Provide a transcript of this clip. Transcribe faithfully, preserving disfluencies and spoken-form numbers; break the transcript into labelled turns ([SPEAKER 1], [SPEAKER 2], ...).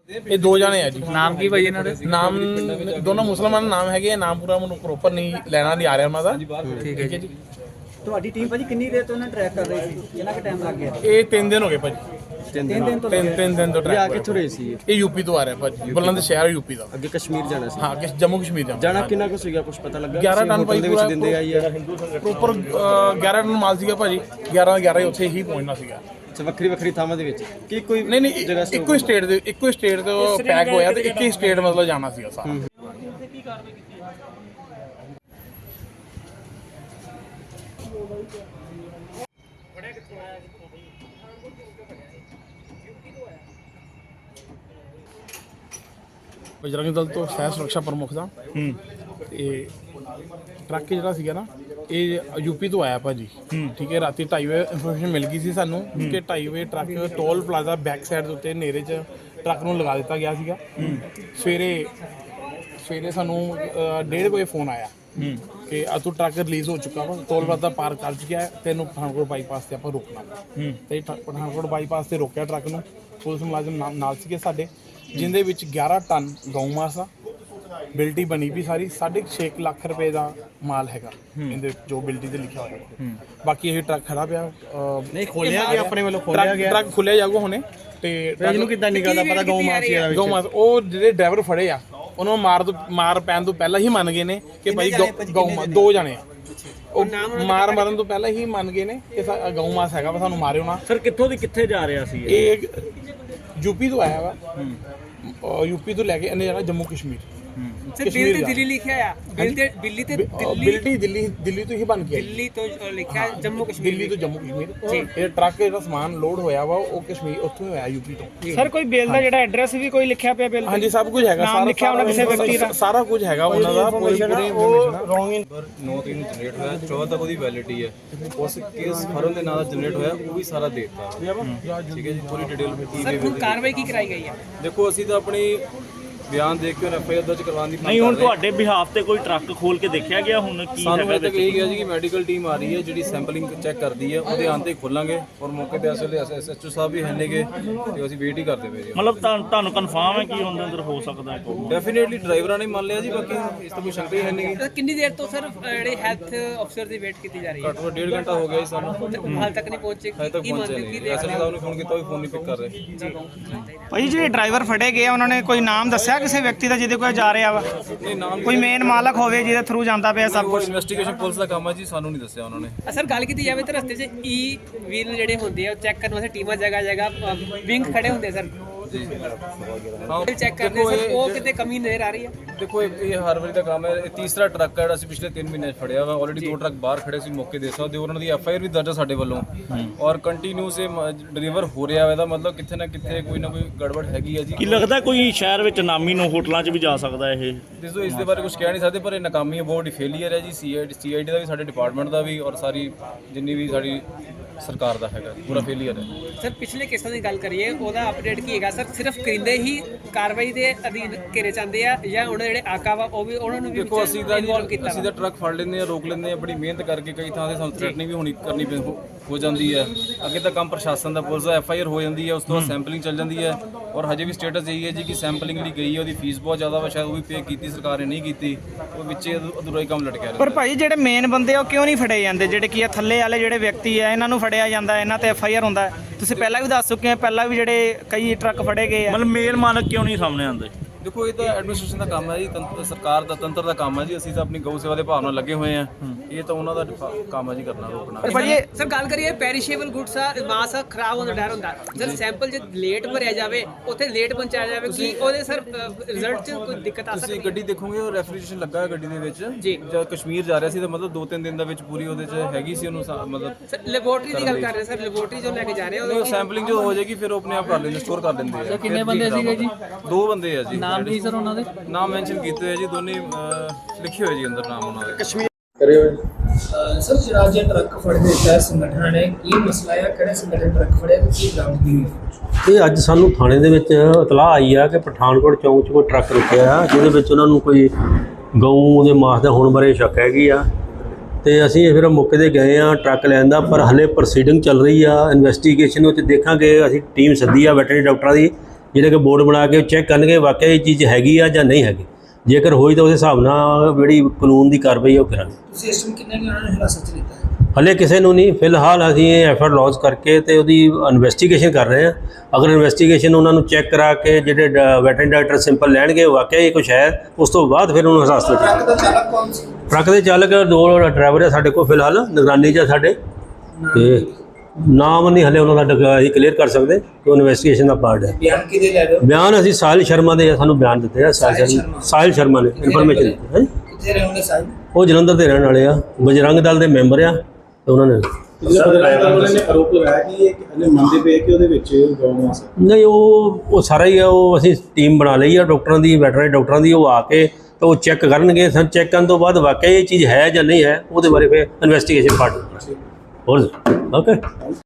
[SPEAKER 1] ये दो जाने है जी।
[SPEAKER 2] नाम की भाई इन्होंने
[SPEAKER 1] नाम दोनों मुसलमान नाम है, नाम पूरा मैं प्रॉपर नहीं लेना नहीं आ रहा उन्होंने।
[SPEAKER 2] ठीक है जी।
[SPEAKER 3] ਤੁਹਾਡੀ ਟੀਮ ਭਾਜੀ ਕਿੰਨੀ ਦੇਰ ਤੋਂ ਇਹਨਾਂ ਟਰੈਕ ਕਰ ਰਹੀ ਸੀ, ਕਿੰਨਾ ਕੁ ਟਾਈਮ ਲੱਗ ਗਿਆ?
[SPEAKER 1] ये तीन दिन हो गए भाजी,
[SPEAKER 3] ਤਿੰਨ ਦਿਨ ਤੋਂ
[SPEAKER 1] तीन तीन दिन तो
[SPEAKER 4] ਆ
[SPEAKER 1] ट्रैक
[SPEAKER 4] ਕਿੱਥੋਂ ਰਹੇ ਸੀ ਇਹ?
[SPEAKER 1] ये यूपी तो आ रहा है भाजी, बुलंद शहर यूपी का।
[SPEAKER 4] ਅੱਗੇ ਕਸ਼ਮੀਰ ਜਾਣਾ ਸੀ।
[SPEAKER 1] हाँ कि जम्मू कश्मीर जाना
[SPEAKER 4] ਜਾਣਾ ਕਿੰਨਾ ਕੁ ਸੀਗਾ, ਕੁਝ ਪਤਾ ਲੱਗਾ?
[SPEAKER 1] ग्यारह टन भाई
[SPEAKER 4] ਦੇ ਵਿੱਚ ਦਿੰਦੇ ਆਈ ਆ।
[SPEAKER 1] ਪ੍ਰੋਪਰ ग्यारह टन माल ਸੀਗਾ ਭਾਜੀ, ग्यारह ग्यारह ਉੱਥੇ ਹੀ ਪਹੁੰਚਣਾ ਸੀਗਾ।
[SPEAKER 4] ਅੱਛਾ, ਵੱਖਰੀ ਵੱਖਰੀ ਥਾਵਾਂ ਦੇ ਵਿੱਚ ਕੀ ਕੋਈ
[SPEAKER 1] ਨਹੀਂ ਨਹੀਂ
[SPEAKER 4] ਜਗ੍ਹਾ
[SPEAKER 1] ਇੱਕੋ ਹੀ ਸਟੇਟ ਦੇ ਇੱਕੋ ਹੀ ਸਟੇਟ ਤੋਂ ਪੈਕ ਹੋਇਆ ਤੇ ਇੱਕ ਹੀ ਸਟੇਟ ਮਤਲਬ ਜਾਣਾ ਸੀਗਾ ਸਾਰਾ। ਬਜਰੰਗ ਦਲ ਤੋਂ ਸਹਿ ਸੁਰੱਖਿਆ ਪ੍ਰਮੁੱਖ ਦਾ ਤੇ ਟਰੱਕ ਜਿਹੜਾ ਸੀਗਾ ਨਾ ਇਹ ਯੂਪੀ ਤੋਂ ਆਇਆ ਭਾਜੀ। ਠੀਕ ਹੈ, ਰਾਤੀ ਢਾਈ ਵਜੇ ਇਨਫੋਰਮੇਸ਼ਨ ਮਿਲ ਗਈ ਸੀ ਸਾਨੂੰ ਕਿ ਢਾਈ ਵਜੇ truck toll plaza back side ਦੇ ਉੱਤੇ ਨੇਰੇ 'ਚ ਟਰੱਕ ਨੂੰ ਲਗਾ ਦਿੱਤਾ ਗਿਆ ਸੀਗਾ। ਸਵੇਰੇ ਸਵੇਰੇ ਸਾਨੂੰ ਡੇਢ ਵਜੇ ਫੋਨ ਆਇਆ ਕਿ ਆ ਤੂੰ ਟਰੱਕ ਰਿਲੀਜ਼ ਹੋ ਚੁੱਕਾ ਵਾ, ਟੋਲ ਪਲਾਜ਼ਾ ਪਾਰ ਕਰ ਚੁੱਕਿਆ ਹੈ, ਤੈਨੂੰ ਪਠਾਨਕੋਟ ਬਾਈਪਾਸ ਤੇ ਆਪਾਂ ਰੋਕਣਾ। ਤੇ ਪਠਾਨਕੋਟ ਬਾਈਪਾਸ ਤੇ ਰੋਕਿਆ ਟਰੱਕ ਨੂੰ। ਪੁਲਿਸ ਮੁਲਾਜ਼ਮ ਨਾਲ ਸੀਗੇ ਸਾਡੇ, ਜਿੰਦੇ ਵਿੱਚ ਗਿਆਰਾਂ ਟਨ ਗਊ ਮਾਸ ਆ, ਬਿਲਟੀ ਬਣੀ ਵੀ ਸਾਰੀ ਸਾਢੇ ਛੇ ਲੱਖ ਰੁਪਏ ਦਾ ਮਾਲ ਹੈਗਾ ਇਹਦੇ ਜੋ ਬਿਲਟੀ ਤੇ ਲਿਖਿਆ ਹੋਇਆ। ਬਾਕੀ ਇਹ ਟਰੱਕ ਖੜਾ ਪਿਆ,
[SPEAKER 4] ਨਹੀਂ ਖੋਲਿਆ ਗਿਆ ਆਪਣੇ ਵੱਲੋਂ, ਖੋਲਿਆ ਗਿਆ
[SPEAKER 1] ਟਰੱਕ ਖੁੱਲਿਆ ਜਾਊਗਾ ਹੁਣੇ। ਤੇ
[SPEAKER 4] ਇਹਨੂੰ ਕਿੱਦਾਂ ਨਿਕਲਦਾ ਪਤਾ ਗਊ ਮਾਸ ਦਾ
[SPEAKER 1] ਗਊ ਮਾਸ ਉਹ ਜਿਹੜੇ ਡਰਾਈਵਰ ਫੜੇ ਆ ਉਹਨਾਂ ਨੂੰ ਮਾਰ ਤੋਂ ਮਾਰ ਪੈਣ ਤੋਂ ਪਹਿਲਾਂ ਹੀ ਮੰਨ ਗਏ ਨੇ ਕਿ ਭਾਈ ਗਊ ਮਾਸ ਦੋ ਜਣੇ ਆ। ਉਹ ਮਾਰ ਮਰਨ ਤੋਂ ਪਹਿਲਾਂ ਹੀ ਮੰਨ ਗਏ ਨੇ ਕਿ ਗਊ ਮਾਸ ਹੈਗਾ ਵਾ, ਸਾਨੂੰ ਮਾਰਿਓ ਨਾ।
[SPEAKER 4] ਸਰ ਕਿੱਥੋਂ ਦੀ ਕਿੱਥੇ ਜਾ ਰਿਹਾ ਸੀ
[SPEAKER 1] ਇਹ? ਯੂਪੀ ਤੋਂ ਆਇਆ ਵਾ, ਯੂਪੀ ਤੋਂ ਲੈ ਕੇ ਇਹਨੇ ਜਾਣਾ ਜੰਮੂ ਕਸ਼ਮੀਰ।
[SPEAKER 2] ਸਰ ਬਿੱਲ ਤੇ ਦਿੱਲੀ ਲਿਖਿਆ ਆ, ਬਿੱਲ ਤੇ ਦਿੱਲੀ ਤੇ ਦਿੱਲੀ
[SPEAKER 1] ਬਿਲਟੀ ਦਿੱਲੀ ਦਿੱਲੀ ਤੋਂ ਹੀ ਬਣ ਕੇ ਆਈ।
[SPEAKER 2] ਦਿੱਲੀ ਤੋਂ ਲਿਖਿਆ ਜੰਮੂ ਕਸ਼ਮੀਰ
[SPEAKER 1] ਦਿੱਲੀ ਤੋਂ ਜੰਮੂ ਕਸ਼ਮੀਰ। ਇਹ ਟਰੱਕ ਜਿਹੜਾ ਸਮਾਨ ਲੋਡ ਹੋਇਆ ਵਾ ਉਹ ਕਸ਼ਮੀਰ ਉੱਥੋਂ ਹੀ ਹੋਇਆ, ਯੂਪੀ ਤੋਂ।
[SPEAKER 3] ਸਰ ਕੋਈ ਬਿੱਲ ਦਾ ਜਿਹੜਾ ਐਡਰੈਸ ਵੀ ਕੋਈ ਲਿਖਿਆ ਪਿਆ ਬਿੱਲ?
[SPEAKER 1] ਹਾਂਜੀ ਸਭ ਕੁਝ ਹੈਗਾ, ਸਾਰਾ ਲਿਖਿਆ ਉਹਨਾਂ ਕਿਸੇ ਵਿਅਕਤੀ ਦਾ ਸਾਰਾ ਕੁਝ ਹੈਗਾ ਉਹਨਾਂ ਦਾ, ਪੂਰੀ ਪੂਰੀ ਇਨਫੋਰਮੇਸ਼ਨ।
[SPEAKER 5] ਨੌ ਤਰੀਕ ਨੂੰ ਜਨਰੇਟ ਹੋਇਆ, ਚੌਦਾਂ ਤੱਕ ਉਹਦੀ ਵੈਲਿਡਿਟੀ ਹੈ। ਉਸ ਕੇਸ ਫਰਮ ਦੇ ਨਾਂ ਦਾ ਜਨਰੇਟ ਹੋਇਆ ਉਹ ਵੀ ਸਾਰਾ ਦੇ ਦਿੱਤਾ। ਠੀਕ ਹੈ ਜੀ, ਪੂਰੀ ਡਿਟੇਲ।
[SPEAKER 2] ਸਰ ਹੁਣ ਕਾਰਵਾਈ ਕੀ ਕਰਾਈ ਗਈ ਹੈ?
[SPEAKER 5] ਦੇਖੋ ਅਸੀਂ ਤਾਂ ਆਪਣੀ ਬਿਆਨ ਦੇਖ ਕੇ ਐਫ ਆਈ ਆਰ ਦਰਜ ਕਰਵਾਉਣ ਦੀ ਮੰਗ
[SPEAKER 6] ਨਹੀਂ ਹੁਣ
[SPEAKER 5] ਕਰ ਰਹੇ ਹਾਂ।
[SPEAKER 6] ਤੁਹਾਡੇ ਬਿਹਾਫ ਤੇ ਕੋਈ ਟਰੱਕ ਖੋਲ ਕੇ ਦੇਖਿਆ ਗਿਆ ਹੁਣ ਕੀ
[SPEAKER 5] ਸਾਨੂੰ
[SPEAKER 6] ਹੈਗਾ
[SPEAKER 5] ਇਹ ਤੱਕ ਇਹ ਗਿਆ ਜੀ ਕਿ ਮੈਡੀਕਲ ਟੀਮ ਆ ਰਹੀ ਹੈ ਜਿਹੜੀ ਸੈਂਪਲਿੰਗ ਚੈੱਕ ਕਰਦੀ ਹੈ, ਉਹਦੇ ਆਉਣ ਤੇ ਖੋਲਾਂਗੇ। ਔਰ ਮੌਕੇ ਤੇ ਅਸਲ ਐਸ ਐਚ ਓ ਸਾਹਿਬ ਵੀ ਹੈ ਨੇਗੇ ਤੇ ਅਸੀਂ ਵੇਟ ਹੀ ਕਰਦੇ ਪਏ ਜੀ।
[SPEAKER 6] ਮਤਲਬ ਤੁਹਾਨੂੰ ਤੁਹਾਨੂੰ ਕਨਫਰਮ ਹੈ ਕਿ ਉਹਦੇ ਅੰਦਰ ਹੋ ਸਕਦਾ ਹੈ ਕੋਈ?
[SPEAKER 5] ਡੈਫੀਨੇਟਲੀ ਡਰਾਈਵਰਾਂ ਨੇ ਮੰਨ ਲਿਆ ਜੀ, ਬਾਕੀ ਇਸ ਤੋਂ ਕੋਈ ਸ਼ੰਕਾ ਹੀ ਹੈ ਨਹੀਂ।
[SPEAKER 2] ਸਰ ਕਿੰਨੀ ਦੇਰ ਤੋਂ ਸਰ ਜਿਹੜੇ ਹੈਲਥ ਅਫਸਰ ਦੀ ਵੇਟ ਕੀਤੀ ਜਾ ਰਹੀ ਹੈ?
[SPEAKER 5] ਘੱਟੋ ਘੱਟ ਡੇਢ ਘੰਟਾ ਹੋ ਗਿਆ ਜੀ ਸਾਨੂੰ,
[SPEAKER 2] ਹਾਲ ਤੱਕ ਨਹੀਂ ਪਹੁੰਚੇ।
[SPEAKER 5] ਹਜੇ ਤੱਕ ਪਹੁੰਚਿਆ ਨਹੀਂ। ਐਸ ਐਚ ਓ ਸਾਹਿਬ ਨੂੰ ਫੋਨ ਕੀਤਾ ਉਹ ਵੀ ਫੋਨ ਨਹੀਂ ਪਿਕ ਕਰ ਰਹੇ।
[SPEAKER 3] ਭਾਈ ਜਿਹੜੇ ਡਰਾਈਵਰ ਫੜੇ ਗਏ ਉਹਨਾਂ ਨੇ ਕੋਈ ਨਾਮ ਦੱਸਿਆ ਕਿਸੇ ਵਿਅਕਤੀ ਦਾ ਜਿਹਦੇ ਕੋਲ ਜਾ ਰਿਹਾ ਵਾ?
[SPEAKER 5] ਨਹੀਂ ਨਾਮ
[SPEAKER 3] ਕੋਈ ਮੇਨ ਮਾਲਕ ਹੋਵੇ ਜਿਹਦੇ ਥਰੂ ਜਾਂਦਾ ਪਿਆ ਸਭ ਕੁਝ?
[SPEAKER 5] ਇਨਵੈਸਟੀਗੇਸ਼ਨ ਪੁਲਿਸ ਦਾ ਕੰਮ ਹੈ ਜੀ, ਸਾਨੂੰ ਨਹੀਂ ਦੱਸਿਆ ਉਹਨਾਂ ਨੇ।
[SPEAKER 2] ਸਰ ਗੱਲ ਕੀਤੀ ਜਾਵੇ ਤਾਂ ਰਸਤੇ 'ਚ ਈ ਵੀਲ ਜਿਹੜੇ ਹੁੰਦੇ ਆ ਉਹ ਚੈੱਕ ਕਰਨ ਵਾਸਤੇ ਟੀਮਾਂ ਜਗ੍ਹਾ ਜਗ੍ਹਾ ਵਿੰਗ ਖੜੇ ਹੁੰਦੇ ਸਰ,
[SPEAKER 5] ਹਾਂ
[SPEAKER 2] ਚੈੱਕ ਕਰਦੇ ਸਰ, ਉਹ ਕਿਤੇ ਕਮੀ ਨਜ਼ਰ ਆ ਰਹੀ ਹੈ?
[SPEAKER 5] ਦੇਖੋ ਇਹ ਇਹ ਹਰ ਵਾਰੀ ਦਾ ਕੰਮ ਹੈ। ਇਹ ਤੀਸਰਾ ਟਰੱਕ ਹੈ ਜਿਹੜਾ ਅਸੀਂ ਪਿਛਲੇ ਤਿੰਨ ਮਹੀਨੇ 'ਚ ਫੜਿਆ ਵਾ। ਆਲਰੇਡੀ ਦੋ ਟਰੱਕ ਬਾਹਰ ਖੜੇ ਸੀ, ਮੌਕੇ ਦੇ ਸਕਦੇ ਹੋ। ਉਹਨਾਂ ਦੀ ਐਫ ਆਈ ਆਰ ਵੀ ਦਰਜ ਹੈ ਸਾਡੇ ਵੱਲੋਂ, ਔਰ ਕੰਟੀਨਿਊਸ ਇਹ ਡਿਲੀਵਰ ਹੋ ਰਿਹਾ ਵਾ। ਇਹਦਾ ਮਤਲਬ ਕਿੱਥੇ ਨਾ ਕਿੱਥੇ ਕੋਈ ਨਾ ਕੋਈ ਗੜਬੜ ਹੈਗੀ ਹੈ ਜੀ।
[SPEAKER 6] ਕੀ ਲੱਗਦਾ ਕੋਈ ਸ਼ਹਿਰ ਵਿੱਚ ਨਾਮੀ ਨੂੰ ਹੋਟਲਾਂ 'ਚ ਵੀ ਜਾ ਸਕਦਾ ਇਹ?
[SPEAKER 5] ਦੇਖੋ ਇਸ ਦੇ ਬਾਰੇ ਕੁਝ ਕਹਿ ਨਹੀਂ ਸਕਦੇ, ਪਰ ਇਹ ਨਾਕਾਮੀ ਹੈ, ਬਹੁਤ ਵੱਡੀ ਫੇਲੀਅਰ ਹੈ ਜੀ। ਸੀ I D C I D ਦਾ ਵੀ, ਸਾਡੇ ਡਿਪਾਰਟਮੈਂਟ ਦਾ ਵੀ, ਔਰ ਸਾਰੀ ਜਿੰਨੀ ਵੀ ਸਾਡੀ ਸਰਕਾਰ ਦਾ ਹੈਗਾ ਪੂਰਾ ਫੇਲੀਅਰ ਹੈ।
[SPEAKER 2] ਸਰ ਪਿਛਲੇ ਕੇਸਾਂ ਦੀ ਗੱਲ ਕਰੀਏ ਉਹਦਾ ਅਪਡੇਟ ਕੀ ਹੈਗਾ ਸਰ? ਸਿਰਫ ਕਰਿੰਦੇ ਹੀ ਕਾਰਵਾਈ ਦੇ ਅਧੀਨ ਘੇਰੇ ਜਾਂਦੇ ਆ ਜਾਂ ਉਹਨਾਂ ਜਿਹੜੇ ਆਕਾ ਵਾ ਉਹ ਵੀ ਉਹਨਾਂ ਨੂੰ ਵੀ
[SPEAKER 5] ਦੇਖੋ ਅਸੀਂ ਤਾਂ
[SPEAKER 2] ਇਨਵੋਲਵ ਕੀਤਾ?
[SPEAKER 5] ਅਸੀਂ ਤਾਂ ਟਰੱਕ ਫੜ ਲੈਂਦੇ ਆ, ਰੋਕ ਲੈਂਦੇ ਆ, ਬੜੀ ਮਿਹਨਤ ਕਰਕੇ। ਕਈ ਥਾਂ ਤੇ ਸਾਨੂੰ ਥ੍ਰੈਟਨਿੰਗ ਵੀ ਹੋਣੀ ਕਰਨੀ ਪੈ ਹੋ ਜਾਂਦੀ ਹੈ। ਅੱਗੇ ਤਾਂ ਕੰਮ ਪ੍ਰਸ਼ਾਸਨ ਦਾ, ਪੁਲਿਸ ਦਾ, ਐਫ ਆਈ ਆਰ ਹੋ ਜਾਂਦੀ ਹੈ, ਉਸ ਤੋਂ ਬਾਅਦ ਸੈਂਪਲਿੰਗ ਚੱਲ ਜਾਂਦੀ ਹੈ। ਔਰ ਹਜੇ ਵੀ ਸਟੇਟਸ ਇਹੀ ਹੈ ਜੀ ਕਿ ਸੈਂਪਲਿੰਗ ਲਈ ਗਈ ਹੈ, ਉਹਦੀ ਫੀਸ ਬਹੁਤ ਜ਼ਿਆਦਾ ਵਾ, ਸ਼ਾਇਦ ਉਹ ਵੀ ਪੇ ਕੀਤੀ ਸਰਕਾਰ ਨੇ, ਨਹੀਂ ਕੀਤੀ। ਉਹ ਵਿੱਚੇ ਅਧੂਰਾ ਹੀ ਕੰਮ ਲਟਕਿਆ ਰਿਹਾ।
[SPEAKER 3] ਪਰ ਭਾਈ ਜਿਹੜੇ ਮੇਨ ਬੰਦੇ ਆ ਉਹ ਕਿਉਂ ਨਹੀਂ ਫੜੇ ਜਾਂਦੇ? ਜਿਹੜੇ ਕੀ ਆ ਥੱਲੇ ਵਾਲੇ ਜਿਹੜੇ ਵਿਅਕਤੀ ਆ ਇਹਨਾਂ ਨੂੰ ਫੜਿਆ ਜਾਂਦਾ, ਇਹਨਾਂ ਤੇ ਐਫ ਆਈ ਆਰ ਹੁੰਦਾ। ਤੁਸੀਂ ਪਹਿਲਾਂ ਵੀ ਦੱਸ ਚੁੱਕੇ ਆ, ਪਹਿਲਾਂ ਵੀ ਜਿਹੜੇ ਕਈ ਟਰੱਕ ਫੜੇ ਗਏ ਆ।
[SPEAKER 6] ਮਤਲਬ ਮੇਲ ਮਾਲਕ ਕਿਉਂ ਨਹੀਂ ਸਾਹਮਣੇ ਆਉਂਦੇ?
[SPEAKER 5] ਦੇਖੋ ਇਹ ਤਾਂ ਐਡਮਿਨਿਸਟ੍ਰੇਸ਼ਨ ਦਾ ਕੰਮ ਹੈ ਜੀ, ਤੰਤਰ ਸਰਕਾਰ ਦਾ, ਤੰਤਰ ਦਾ ਕੰਮ ਹੈ ਜੀ। ਅਸੀਂ ਤਾਂ ਆਪਣੀ ਗਊ ਸੇਵਾ ਦੇ ਭਾਵ ਨਾਲ ਲੱਗੇ ਹੋਏ ਆ। ਇਹ ਤਾਂ ਉਹਨਾਂ ਦਾ ਕੰਮ ਹੈ ਜੀ ਕਰਨਾ, ਰੋਕਣਾ।
[SPEAKER 2] ਪਰ ਭਾਜੀ ਸਰ ਗੱਲ ਕਰੀਏ ਪੈਰੀਸ਼ੇਬਲ ਗੁੱਡਸ ਆ, ਮਾਸ ਆ, ਖਰਾਬ ਹੋਣ ਦਾ ਡਰ ਹੁੰਦਾ। ਸਰ ਸੈਂਪਲ ਜੇ ਲੇਟ ਭਰਿਆ ਜਾਵੇ, ਉੱਥੇ ਲੇਟ ਪਹੁੰਚਾਇਆ ਜਾਵੇ, ਕੀ ਉਹਦੇ ਸਰ ਰਿਜ਼ਲਟ 'ਚ ਕੋਈ ਦਿੱਕਤ ਆ ਸਕਦੀ?
[SPEAKER 5] ਤੁਸੀਂ ਗੱਡੀ ਦੇਖੋਗੇ ਉਹ ਰੈਫਰੀਜਰੇਸ਼ਨ ਲੱਗਾ ਹੈ ਗੱਡੀ ਦੇ ਵਿੱਚ
[SPEAKER 2] ਜੀ।
[SPEAKER 5] ਜਦ ਕਸ਼ਮੀਰ ਜਾ ਰਿਹਾ ਸੀ ਤਾਂ ਮਤਲਬ ਦੋ ਤਿੰਨ ਦਿਨ ਦਾ ਵਿੱਚ ਪੂਰੀ ਉਹਦੇ 'ਚ ਹੈਗੀ ਸੀ ਉਹਨੂੰ ਮਤਲਬ।
[SPEAKER 2] ਸਰ ਲੈਬੋਰਟਰੀ ਦੀ ਗੱਲ ਕਰ ਰਹੇ ਸਰ, ਲੈਬੋਰਟਰੀ ਜੋ ਲੈ ਕੇ ਜਾ ਰਹੇ
[SPEAKER 5] ਉਹ ਸੈਂਪਲਿੰਗ ਜੋ ਹੋ ਜਾਏਗੀ ਫਿਰ ਉਹ ਆਪਣੇ ਆਪ ਕਰ ਲੈਂਦੇ, ਸਟੋਰ ਕਰ ਲੈਂਦੇ ਆ। ਕਿੰਨੇ ਬੰਦੇ ਸੀਗੇ ਜੀ? ਦੋ ਬੰਦੇ ਆ ਜੀ। ਨਾਮ ਕੀ ਸਰ ਉਹਨਾਂ ਦੇ? ਨਾਮ ਮੈਂਸ਼ਨ ਕੀਤੇ ਹੋਏ ਜੀ, ਦੋਨੇ ਲਿਖੇ ਹੋਏ ਜੀ ਅੰਦਰ ਨਾਮ ਉਹਨਾਂ ਦੇ। ਕਸ਼ਮੀਰ
[SPEAKER 1] ਕਰੇ ਹੋਏ
[SPEAKER 7] ਸਰ ਜਿਹੜਾ ਜੇ ਟਰੱਕ ਫੜ ਦਿੱਤਾ ਸੰਗਠਨ ਨੇ, ਕੀ ਮਸਲਾ ਹੈ? ਕਿਹੜੇ ਸੰਗਠਨ ਟਰੱਕ ਫੜਿਆ ਤੇ ਕੀ ਬਰਾਮਦਗੀ ਹੋਈ?
[SPEAKER 8] ਇਹ ਅੱਜ ਸਾਨੂੰ ਥਾਣੇ ਦੇ ਵਿੱਚ ਇਤਲਾਹ ਆਈ ਆ ਕਿ ਪਠਾਨਕੋਟ ਚੌਂਕ 'ਚ ਕੋਈ ਟਰੱਕ ਰੁਕਿਆ ਆ, ਜਿਹਦੇ ਵਿੱਚ ਉਹਨਾਂ ਨੂੰ ਕੋਈ ਗਊ ਦੇ ਮਾਸ ਦਾ ਹੋਣ ਬਾਰੇ ਸ਼ੱਕ ਹੈਗੀ ਆ। ਤੇ ਅਸੀਂ ਫਿਰ ਮੌਕੇ 'ਤੇ ਗਏ ਆ ਟਰੱਕ ਲੈਣ ਦਾ, ਪਰ ਹਲੇ ਪ੍ਰੋਸੀਡਿੰਗ ਚੱਲ ਰਹੀ ਆ ਇਨਵੈਸਟੀਗੇਸ਼ਨ ਵਿੱਚ। ਦੇਖਾਂਗੇ, ਅਸੀਂ ਟੀਮ ਸੱਦੀ ਆ ਵੈਟਰਨਰੀ ਡਾਕਟਰਾਂ ਦੀ, ਜਿਹੜੇ ਕਿ ਬੋਰਡ ਬਣਾ ਕੇ ਚੈੱਕ ਕਰਨਗੇ ਵਾਕਿਆ ਇਹ ਚੀਜ਼ ਹੈਗੀ ਆ ਜਾਂ ਨਹੀਂ ਹੈਗੀ। ਜੇਕਰ ਹੋਈ ਤਾਂ ਉਸ ਹਿਸਾਬ ਨਾਲ ਜਿਹੜੀ ਕਾਨੂੰਨ ਦੀ ਕਾਰਵਾਈ ਉਹ ਕਰਾਂਗੇ।
[SPEAKER 7] ਤੁਸੀਂ ਇਸ ਨੂੰ ਕਿੰਨੇ ਕੁ ਉਹਨਾਂ ਨੂੰ ਹਿਰਾਸਤ 'ਚ ਲਿੱਤਾ ਹੈ?
[SPEAKER 8] ਹਲੇ ਕਿਸੇ ਨੂੰ ਨਹੀਂ, ਫਿਲਹਾਲ ਅਸੀਂ ਇਹ ਐਫ ਆਈ ਆਰ ਲੌਂਚ ਕਰਕੇ ਤੇ ਉਹਦੀ ਇਨਵੈਸਟੀਗੇਸ਼ਨ ਕਰ ਰਹੇ ਹਾਂ। ਅਗਰ ਇਨਵੈਸਟੀਗੇਸ਼ਨ ਉਹਨਾਂ ਨੂੰ ਚੈੱਕ ਕਰਾ ਕੇ ਜਿਹੜੇ ਵੈਟਰਨਰੀ ਡਾਕਟਰ ਸਿੰਪਲ ਲੈਣਗੇ ਵਾਕਿਆ ਇਹ ਕੁਛ ਹੈ, ਉਸ ਤੋਂ ਬਾਅਦ ਫਿਰ ਉਹਨੂੰ ਹਿਰਾਸਤ ਵਿੱਚ
[SPEAKER 7] ਟਰੱਕ ਦਾ ਚਾਲਕ ਕੌਣ ਸੀ?
[SPEAKER 8] ਟਰੱਕ ਦੇ ਚਾਲਕ ਦੋ ਡਰਾਈਵਰ ਆ ਸਾਡੇ ਕੋਲ ਫਿਲਹਾਲ ਨਿਗਰਾਨੀ 'ਚ ਆ ਸਾਡੇ, ਤੇ ਨਾਮ ਨਹੀਂ ਹਲੇ ਉਹਨਾਂ ਦਾ ਅਸੀਂ ਕਲੀਅਰ ਕਰ ਸਕਦੇ ਕਿ ਉਹ ਇਨਵੈਸਟੀਗੇਸ਼ਨ ਦਾ ਪਾਰਟ ਹੈ।
[SPEAKER 7] ਬਿਆਨ ਕਿਹਦੇ ਲੈ ਰਹੇ ਹੋ?
[SPEAKER 8] ਬਿਆਨ ਅਸੀਂ ਸਾਹਿਲ ਸ਼ਰਮਾ ਦੇ ਸਾਨੂੰ ਬਿਆਨ ਦਿੱਤੇ ਆ। ਸਾਹਿਲ ਸ਼ਰਮਾ ਸਾਹਿਲ ਸ਼ਰਮਾ ਨੇ ਇਨਫੋਰਮੇਸ਼ਨ ਦਿੱਤੀ ਹੈ।
[SPEAKER 7] ਕਿੱਥੇ ਰਹਿੰਦੇ ਸਾਹਿਬ?
[SPEAKER 8] ਉਹ ਜਲੰਧਰ ਦੇ ਰਹਿਣ ਵਾਲੇ ਆ, ਬਜਰੰਗ ਦਲ ਦੇ ਮੈਂਬਰ ਆ ਤੇ ਉਹਨਾਂ ਨੇ
[SPEAKER 9] ਆਰੋਪ ਲਗਾਇਆ ਕਿ ਇਹ ਇਹਨੇ ਮੰਨਦੇ ਪਏ ਕਿ ਉਹਦੇ ਵਿੱਚ ਗਊ ਮਾਸ ਹੈ।
[SPEAKER 8] ਨਹੀਂ, ਉਹ ਉਹ ਸਾਰਾ ਹੀ ਆ, ਉਹ ਅਸੀਂ ਟੀਮ ਬਣਾ ਲਈ ਆ ਡਾਕਟਰਾਂ ਦੀ, ਵੈਟਰਨਰੀ ਡਾਕਟਰਾਂ ਦੀ। ਉਹ ਆ ਕੇ ਤਾਂ ਉਹ ਚੈੱਕ ਕਰਨਗੇ। ਸਰ ਚੈੱਕ ਕਰਨ ਤੋਂ ਬਾਅਦ ਵਾਕਿਆ ਇਹ ਚੀਜ਼ ਹੈ ਜਾਂ ਨਹੀਂ ਹੈ ਉਹਦੇ ਬਾਰੇ ਫਿਰ ਇਨਵੈਸਟੀਗੇਸ਼ਨ ਪਾਰਟ ਹੋਰ ਓਕੇ।